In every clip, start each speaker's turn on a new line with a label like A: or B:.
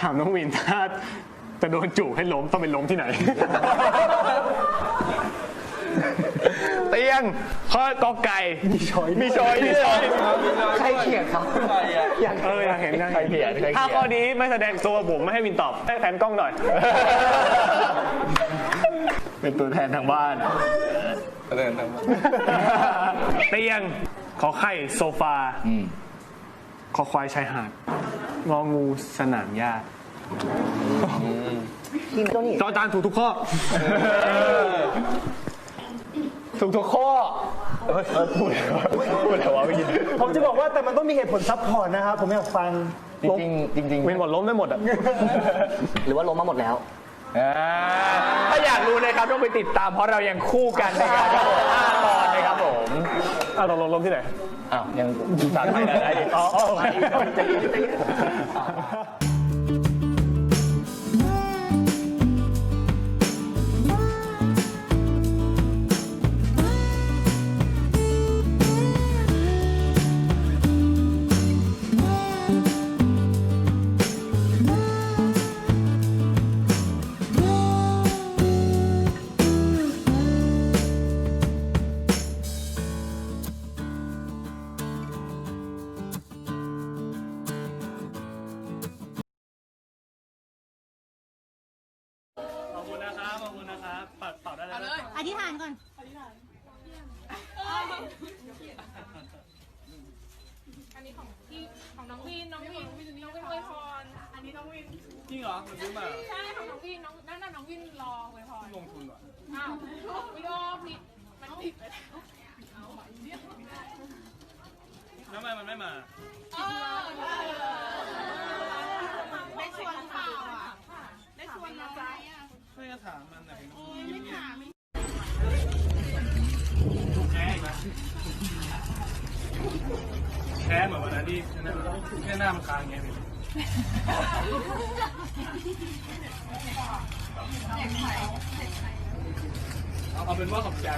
A: ถามน้องวินถ้าจะโดนจูบให้ล้มต้องเป็นล้มที่ไหน เตียงข้อกอไก่มีช้อย
B: ใครเขียนครับ
A: อยากเห็นใครเขียนถ้าข้อนี้ไม่แสดงตัวผมไม่ให้วินตอบให้แฟนกล้องหน่อย
B: เป็นตัวแทนทางบ้าน
A: เตียงขอไข่โซฟาขอควายชายหาดงองูสนามหญ้าจอจานถูกทุกข้อ
B: ถูกทุกข้อพูดอะไรวะพี่
C: ผมจะบอกว่าแต่มันต้องมีเหตุผลซับพอร์ตนะครับผมอยากฟัง
B: จริง
A: วินหมดล้มได้หมดอ่ะ
B: หรือว่าล้มมาหมดแล้วถ้าอยากรู้นะครับต้องไปติดตามเพราะเรายังคู่กันนะครับ5 ตอนนะครับผม
A: เราล้มที่ไหน
B: ยังสารไปได้
A: ขอบคุณนะครับเป่าได้เลย
D: อธิษฐานก่อน
E: อันนี้ของพี่ของน้องวินอวยพรอันนี้น้องวิน
A: จริงเหรอมันซื้อมา
E: ใช่ของน้องวินนั่นน้องวินรออวยพร
A: ลงทุนเหรอ
E: อ้าววิโอผิดมันผิดไป
A: แล้วทำไมมันไม่มา
E: ได้ชวนเปล่าอ่ะได้ชวนนะจ๊ะ
A: ไม่จะถามมันนะ
E: ไม่ถาม
A: แพ้เหมือนวันนั้นที่แค่หน้ามันค้างอย่างเงี้ยเอาเป็นว่าขอบใจ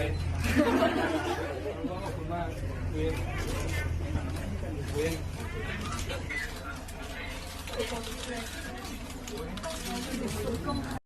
A: ขอบคุณมากเวน